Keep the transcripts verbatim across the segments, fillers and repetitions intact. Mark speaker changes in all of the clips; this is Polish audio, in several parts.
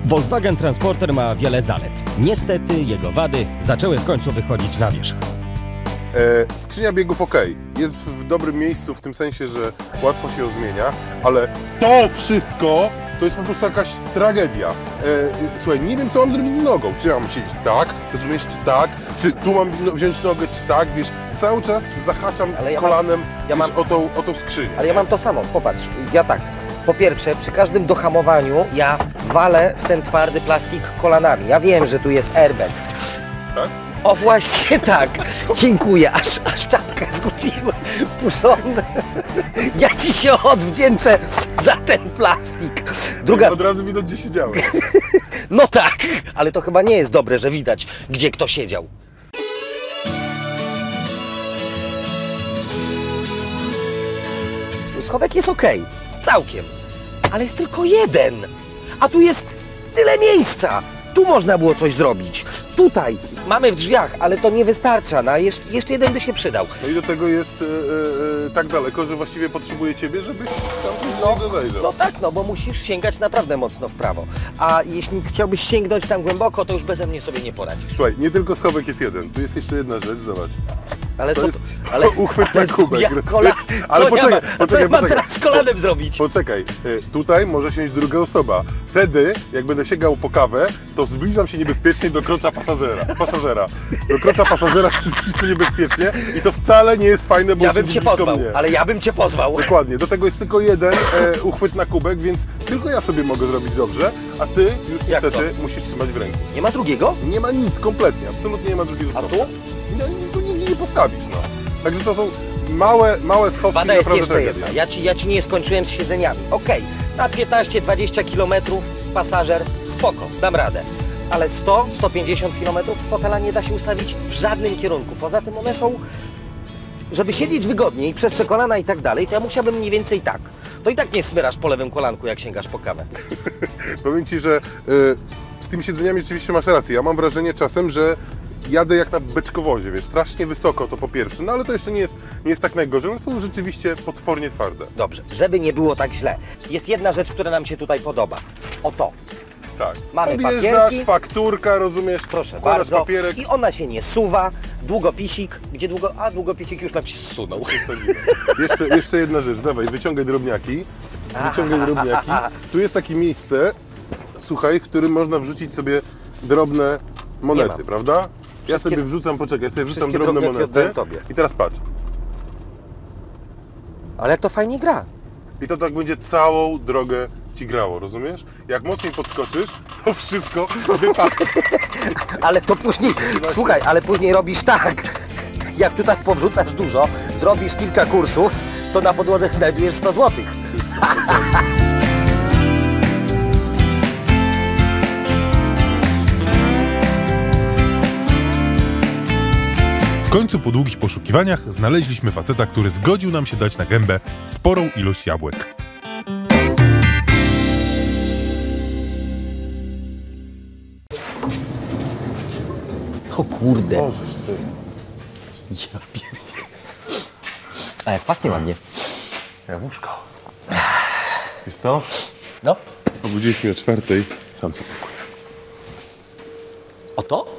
Speaker 1: Volkswagen Transporter ma wiele zalet. Niestety jego wady zaczęły w końcu wychodzić na wierzch.
Speaker 2: E, skrzynia biegów ok, jest w, w dobrym miejscu w tym sensie, że łatwo się ją zmienia, ale to wszystko to jest po prostu jakaś tragedia. E, słuchaj, nie wiem co mam zrobić z nogą. Czy ja mam siedzieć tak, rozumiesz, czy tak, czy tu mam wziąć nogę, czy tak, wiesz, cały czas zahaczam ja kolanem mam, ja wiesz, mam, o, tą, o tą skrzynię.
Speaker 3: Ale ja mam to samo, popatrz, ja tak. Po pierwsze, przy każdym dohamowaniu ja walę w ten twardy plastik kolanami. Ja wiem, że tu jest airbag.
Speaker 2: Tak?
Speaker 3: O właśnie tak. Dziękuję, aż, aż czapkę zgubiłem. Puszony. Ja ci się odwdzięczę za ten plastik.
Speaker 2: Druga... Od razu widać, gdzie siedziałem.
Speaker 3: No tak, ale to chyba nie jest dobre, że widać, gdzie kto siedział. Schowek jest ok, całkiem, ale jest tylko jeden, a tu jest tyle miejsca. Tu można było coś zrobić. Tutaj mamy w drzwiach, ale to nie wystarcza. No, jeszcze, jeszcze jeden by się przydał.
Speaker 2: No i do tego jest e, e, tak daleko, że właściwie potrzebuję Ciebie, żebyś tam coś no, zajrzał.
Speaker 3: No tak, no bo musisz sięgać naprawdę mocno w prawo. A jeśli chciałbyś sięgnąć tam głęboko, to już beze mnie sobie nie poradzisz.
Speaker 2: Słuchaj, nie tylko schowek jest jeden. Tu jest jeszcze jedna rzecz, zobacz.
Speaker 3: Ale
Speaker 2: to
Speaker 3: co?
Speaker 2: Jest
Speaker 3: ale
Speaker 2: uchwyt na kubek.
Speaker 3: Ja kola...
Speaker 2: Ale
Speaker 3: co
Speaker 2: poczekaj,
Speaker 3: ja ma...
Speaker 2: poczekaj,
Speaker 3: co ja mam
Speaker 2: poczekaj.
Speaker 3: teraz z kolanem zrobić?
Speaker 2: Poczekaj, tutaj może siąść druga osoba. Wtedy, jak będę sięgał po kawę, to zbliżam się niebezpiecznie do krocza pasażera. pasażera. Do krocza pasażera zbliżam się niebezpiecznie i to wcale nie jest fajne, bo
Speaker 3: ja bym cię pozwał,
Speaker 2: mnie.
Speaker 3: ale ja bym cię pozwał.
Speaker 2: Dokładnie, do tego jest tylko jeden e, uchwyt na kubek, więc tylko ja sobie mogę zrobić dobrze, a ty już
Speaker 3: jak
Speaker 2: niestety
Speaker 3: to?
Speaker 2: musisz trzymać w ręku.
Speaker 3: Nie ma drugiego?
Speaker 2: Nie ma nic, kompletnie, absolutnie nie ma drugiego
Speaker 3: A
Speaker 2: stopnia.
Speaker 3: tu?
Speaker 2: No, tu nigdzie nie postawisz, no. Także to są małe, małe schowki.
Speaker 3: Wada jest jeszcze
Speaker 2: tragedia.
Speaker 3: jedna. Ja ci, ja ci nie skończyłem z siedzeniami. Okej, na piętnaście dwadzieścia kilometrów pasażer, spoko, dam radę. Ale sto do stu pięćdziesięciu kilometrów fotela nie da się ustawić w żadnym kierunku. Poza tym one są, żeby siedzieć wygodniej przez te kolana i tak dalej, to ja musiałbym mniej więcej tak. To i tak nie smyrasz po lewym kolanku, jak sięgasz po kawę.
Speaker 2: Powiem Ci, że y, z tymi siedzeniami rzeczywiście masz rację. Ja mam wrażenie czasem, że jadę jak na beczkowozie, wiesz, strasznie wysoko to po pierwsze, no ale to jeszcze nie jest, nie jest tak najgorzej, one są rzeczywiście potwornie twarde.
Speaker 3: Dobrze, żeby nie było tak źle. Jest jedna rzecz, która nam się tutaj podoba. Oto.
Speaker 2: Tak.
Speaker 3: Mamy
Speaker 2: Podjeżdżasz,
Speaker 3: papierki.
Speaker 2: fakturka, rozumiesz,
Speaker 3: Proszę
Speaker 2: wkładasz
Speaker 3: bardzo.
Speaker 2: papierek.
Speaker 3: I ona się nie suwa. Długopisik. Gdzie długo... A, długopisik już nam się zsunął.
Speaker 2: jeszcze, jeszcze jedna rzecz, dawaj, wyciągaj drobniaki. Wyciągaj drobniaki. Tu jest takie miejsce, słuchaj, w którym można wrzucić sobie drobne monety, prawda? Ja
Speaker 3: Wszystkie,
Speaker 2: sobie wrzucam, poczekaj, ja sobie wrzucam
Speaker 3: wszystkie
Speaker 2: drobne monety.
Speaker 3: Tobie.
Speaker 2: I teraz patrz.
Speaker 3: Ale jak to fajnie gra.
Speaker 2: I to tak będzie całą drogę Ci grało, rozumiesz? Jak mocniej podskoczysz, to wszystko wypadnie.
Speaker 3: Ale to później, słuchaj, ale później robisz tak. Jak tutaj powrzucasz dużo, zrobisz kilka kursów, to na podłodze znajdujesz sto złotych.
Speaker 4: W końcu po długich poszukiwaniach znaleźliśmy faceta, który zgodził nam się dać na gębę sporą ilość jabłek.
Speaker 3: O kurde.
Speaker 2: Możesz ty.
Speaker 3: Ja pierdolę. A jak pachnie ładnie.
Speaker 2: Jabłuszko. Wiesz co?
Speaker 3: No.
Speaker 2: Obudziłeś mnie o czwartej, sam zapakuję.
Speaker 3: Oto?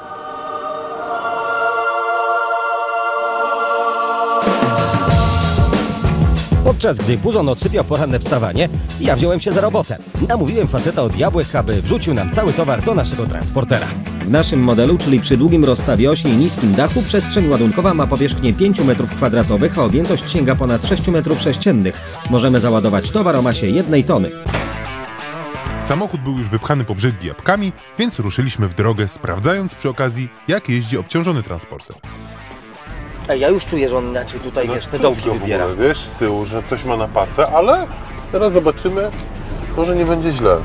Speaker 1: Podczas gdy Puzon odsypiał poranne wstawanie, ja wziąłem się za robotę. Namówiłem faceta od jabłek, aby wrzucił nam cały towar do naszego transportera.
Speaker 5: W naszym modelu, czyli przy długim rozstawie osi i niskim dachu, przestrzeń ładunkowa ma powierzchnię pięć metrów kwadratowych, a objętość sięga ponad sześć metrów sześciennych. Możemy załadować towar o masie jednej tony.
Speaker 4: Samochód był już wypchany po brzegi jabłkami, więc ruszyliśmy w drogę, sprawdzając przy okazji, jak jeździ obciążony transporter.
Speaker 3: Ej, ja już czuję, że on inaczej tutaj, wiesz, te
Speaker 2: czuć
Speaker 3: dołki
Speaker 2: go w
Speaker 3: wybiera.
Speaker 2: ogóle, wiesz, z tyłu, że coś ma na pacę, ale teraz zobaczymy, może nie będzie źle.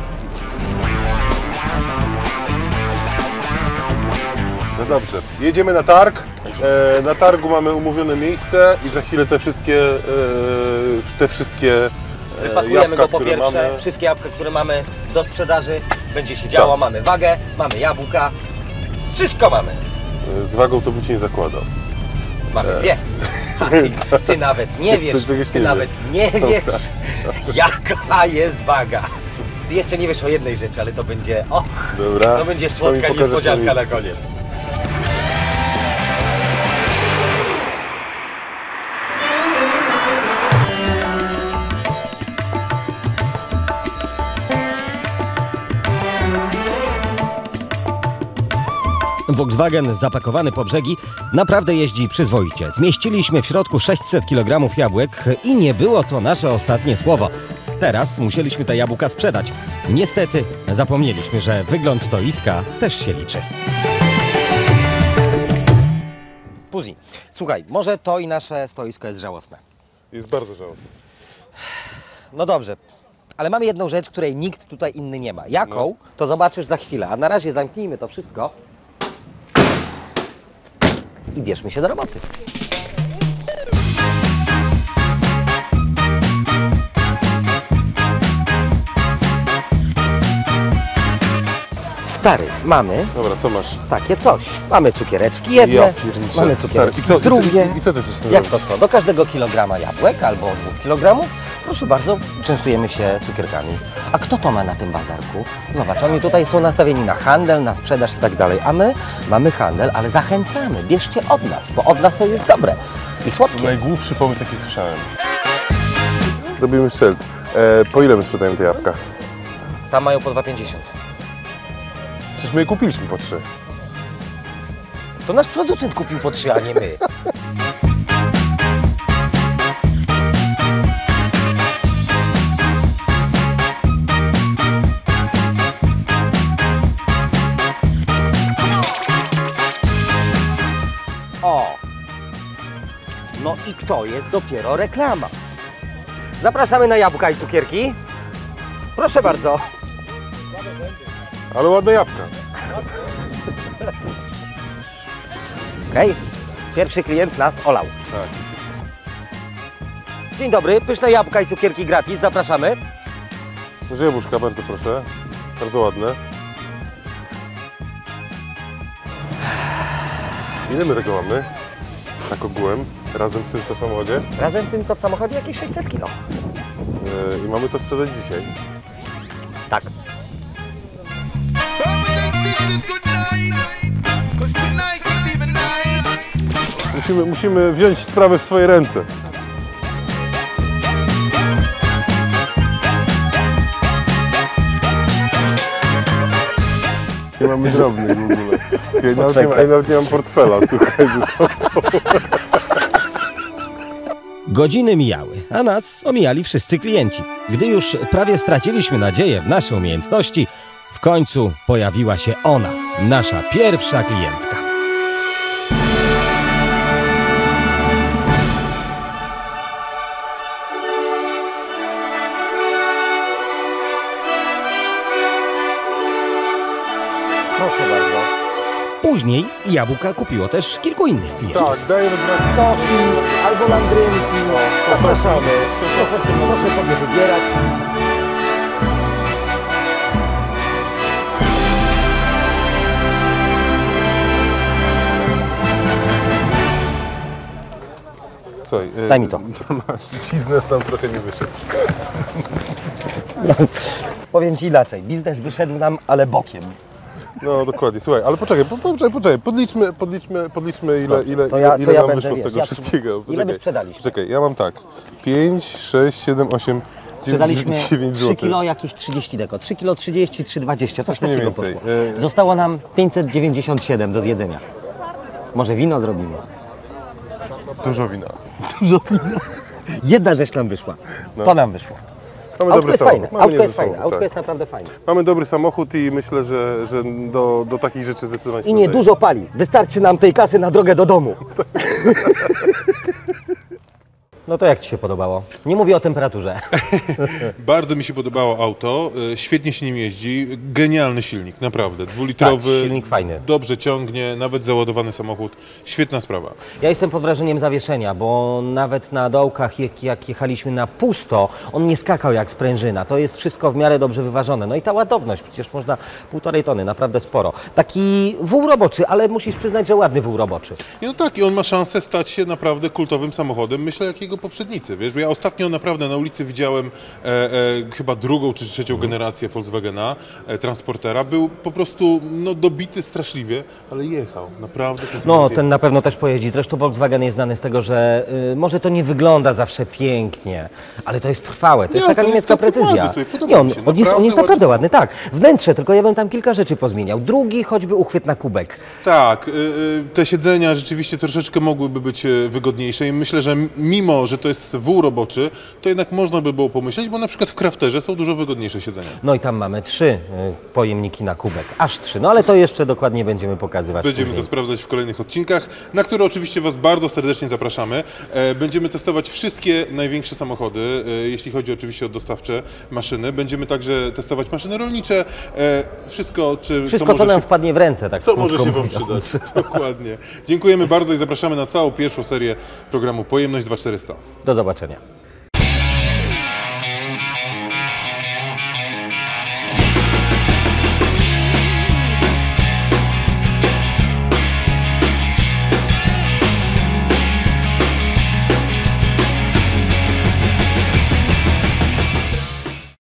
Speaker 2: No dobrze, jedziemy na targ. E, na targu mamy umówione miejsce i za chwilę te wszystkie, e, te wszystkie e,
Speaker 3: Wypakujemy
Speaker 2: jabłka,
Speaker 3: go po
Speaker 2: które
Speaker 3: pierwsze,
Speaker 2: mamy.
Speaker 3: wszystkie jabłka, które mamy do sprzedaży, będzie się działo,
Speaker 2: Tak.
Speaker 3: mamy wagę, mamy jabłka, wszystko mamy.
Speaker 2: E, Z wagą to bym Ci nie zakładał.
Speaker 3: Mamy dwie. A ty, ty nawet nie
Speaker 2: Jeszcze
Speaker 3: wiesz,
Speaker 2: czegoś
Speaker 3: ty
Speaker 2: nie
Speaker 3: nawet nie wiesz, jaka jest waga. Ty jeszcze nie wiesz o jednej rzeczy, ale to będzie, o,
Speaker 2: Dobra.
Speaker 3: to będzie
Speaker 2: To
Speaker 3: słodka
Speaker 2: mi pokażesz
Speaker 3: niespodzianka na
Speaker 2: miejsce.
Speaker 3: koniec.
Speaker 1: Volkswagen zapakowany po brzegi naprawdę jeździ przyzwoicie. Zmieściliśmy w środku sześćset kilogramów jabłek i nie było to nasze ostatnie słowo. Teraz musieliśmy te jabłka sprzedać. Niestety zapomnieliśmy, że wygląd stoiska też się liczy.
Speaker 3: Puzi, słuchaj, może to i nasze stoisko jest żałosne.
Speaker 2: Jest bardzo żałosne.
Speaker 3: No dobrze, ale mamy jedną rzecz, której nikt tutaj inny nie ma. Jaką?
Speaker 2: No.
Speaker 3: To zobaczysz za chwilę, a na razie zamknijmy to wszystko i bierzmy się do roboty. Stary, mamy
Speaker 2: Dobra, co masz?
Speaker 3: takie coś. Mamy cukiereczki jedne,
Speaker 2: Ja pierniczę.
Speaker 3: mamy
Speaker 2: Stary,
Speaker 3: cukiereczki
Speaker 2: i co- i co-
Speaker 3: drugie.
Speaker 2: i co ty chcesz z tym
Speaker 3: Jak to
Speaker 2: zrobić?
Speaker 3: co? Do każdego kilograma jabłek albo dwóch kilogramów, proszę bardzo, częstujemy się cukierkami. A kto to ma na tym bazarku? Zobacz, oni tutaj są nastawieni na handel, na sprzedaż i tak dalej, a my mamy handel, ale zachęcamy, bierzcie od nas, bo od nas to jest dobre i
Speaker 2: To
Speaker 3: słodkie.
Speaker 2: najgłupszy pomysł, jaki słyszałem. Robimy szyld. E, po ile my sprzedajemy te jabłka?
Speaker 3: Tam mają po dwa pięćdziesiąt.
Speaker 2: Przecież my je kupiliśmy po trzy.
Speaker 3: To nasz producent kupił po trzy, a nie my. O! No i to jest dopiero reklama. Zapraszamy na jabłka i cukierki. Proszę bardzo.
Speaker 2: Ale ładne jabłka.
Speaker 3: Okej, pierwszy klient nas olał.
Speaker 2: Tak.
Speaker 3: Dzień dobry, pyszne jabłka i cukierki gratis, zapraszamy.
Speaker 2: Może jabłuszka, bardzo proszę. Bardzo ładne. Ile my tego mamy? Tak ogółem, razem z tym, co w samochodzie.
Speaker 3: Razem z tym, co w samochodzie, jakieś sześćset kilo.
Speaker 2: Yy, I mamy to sprzedać dzisiaj.
Speaker 3: Tak.
Speaker 2: Musimy, musimy wziąć sprawę w swoje ręce. Nie mamy drobnych w ogóle. Ja nawet nie, ja nawet nie mam portfela, słuchaj, ze sobą.
Speaker 1: Godziny mijały, a nas omijali wszyscy klienci. Gdy już prawie straciliśmy nadzieję w nasze umiejętności, w końcu pojawiła się ona, nasza pierwsza klientka.
Speaker 3: Proszę bardzo.
Speaker 1: Później jabłka kupiło też kilku innych klientów.
Speaker 2: Tak, dajemy brak.
Speaker 3: Tofi albo landrynki. Zapraszamy. Proszę, proszę sobie wybierać.
Speaker 2: Słuchaj, yy,
Speaker 3: Daj mi to.
Speaker 2: Masz, biznes nam trochę nie wyszedł.
Speaker 3: Powiem Ci inaczej. Biznes wyszedł nam, ale bokiem.
Speaker 2: No dokładnie, słuchaj, ale poczekaj, po, poczekaj, poczekaj, podliczmy, podliczmy, podliczmy ile,
Speaker 3: Dobrze,
Speaker 2: ile,
Speaker 3: to ja-
Speaker 2: ile,
Speaker 3: to
Speaker 2: ile
Speaker 3: ja
Speaker 2: nam
Speaker 3: będę,
Speaker 2: wyszło z
Speaker 3: wiesz,
Speaker 2: tego
Speaker 3: ja-
Speaker 2: wszystkiego.
Speaker 3: ile my
Speaker 2: Poczekaj,
Speaker 3: sprzedaliśmy?
Speaker 2: Czekaj, ja mam tak, pięć, sześć, siedem, osiem,
Speaker 3: Sprzedaliśmy
Speaker 2: dziewięć
Speaker 3: trzy
Speaker 2: złotych.
Speaker 3: kilo, jakieś trzydzieści deko. trzy kilo trzydzieści, trzy dwadzieścia, coś
Speaker 2: Mniej
Speaker 3: takiego
Speaker 2: więcej.
Speaker 3: poszło.
Speaker 2: E-
Speaker 3: Zostało nam pięćset dziewięćdziesiąt siedem do zjedzenia. Może wino zrobimy.
Speaker 2: Dużo wina.
Speaker 3: Jedna rzecz nam wyszła. To nam wyszło.
Speaker 2: Mamy
Speaker 3: Autko
Speaker 2: dobry
Speaker 3: jest
Speaker 2: samochód.
Speaker 3: fajne,
Speaker 2: Mamy
Speaker 3: autko
Speaker 2: niezły
Speaker 3: jest fajne,
Speaker 2: samochód,
Speaker 3: autko
Speaker 2: tak.
Speaker 3: jest naprawdę fajne.
Speaker 2: Mamy dobry samochód i myślę, że, że do, do takich rzeczy zdecydowanie się
Speaker 3: I nie
Speaker 2: nadaje.
Speaker 3: dużo pali. Wystarczy nam tej kasy na drogę do domu. No to jak Ci się podobało? Nie mówię o temperaturze.
Speaker 4: Bardzo mi się podobało auto, e, świetnie się nim jeździ, genialny silnik, naprawdę, dwulitrowy,
Speaker 3: Tak, silnik fajny.
Speaker 4: dobrze ciągnie, nawet załadowany samochód, świetna sprawa.
Speaker 3: Ja jestem pod wrażeniem zawieszenia, bo nawet na dołkach, jak, jak jechaliśmy na pusto, on nie skakał jak sprężyna. To jest wszystko w miarę dobrze wyważone. No i ta ładowność, przecież można półtorej tony, naprawdę sporo. Taki wół roboczy, ale musisz przyznać, że ładny wół roboczy.
Speaker 4: I no tak, i on ma szansę stać się naprawdę kultowym samochodem, myślę, jakiego poprzednicy, wiesz, bo ja ostatnio naprawdę na ulicy widziałem e, e, chyba drugą czy trzecią generację Volkswagena, e, Transportera, był po prostu no, dobity straszliwie, ale jechał, naprawdę. To
Speaker 3: No,
Speaker 4: zbawienie.
Speaker 3: ten na pewno też pojeździ. Zresztą Volkswagen jest znany z tego, że y, może to nie wygląda zawsze pięknie, ale to jest trwałe. To
Speaker 4: Nie,
Speaker 3: jest taka
Speaker 4: to jest
Speaker 3: niemiecka
Speaker 4: całkiem
Speaker 3: precyzja.
Speaker 4: ładny, słuchaj, podoba
Speaker 3: Nie, on,
Speaker 4: mi się,
Speaker 3: on, jest, on jest
Speaker 4: naprawdę
Speaker 3: naprawdę
Speaker 4: ładny
Speaker 3: ładny, tak. Wnętrze, tylko ja bym tam kilka rzeczy pozmieniał. Drugi choćby uchwyt na kubek.
Speaker 4: Tak, y, y, te siedzenia rzeczywiście troszeczkę mogłyby być y, wygodniejsze i myślę, że mimo, że to jest wół roboczy, to jednak można by było pomyśleć, bo na przykład w Crafterze są dużo wygodniejsze siedzenia.
Speaker 3: No i tam mamy trzy y, pojemniki na kubek. Aż trzy. No ale to jeszcze dokładnie będziemy pokazywać
Speaker 4: Będziemy
Speaker 3: później.
Speaker 4: to sprawdzać w kolejnych odcinkach, na które oczywiście Was bardzo serdecznie zapraszamy. E, Będziemy testować wszystkie największe samochody, e, jeśli chodzi oczywiście o dostawcze maszyny. Będziemy także testować maszyny rolnicze, e, wszystko, czy,
Speaker 3: Wszystko,
Speaker 4: co
Speaker 3: co
Speaker 4: może
Speaker 3: nam
Speaker 4: się,
Speaker 3: wpadnie w ręce, tak
Speaker 4: co może
Speaker 3: krótko
Speaker 4: się Wam
Speaker 3: mówiąc.
Speaker 4: przydać. Dokładnie. Dziękujemy bardzo i zapraszamy na całą pierwszą serię programu Pojemność dwa tysiące czterysta.
Speaker 3: Do zobaczenia.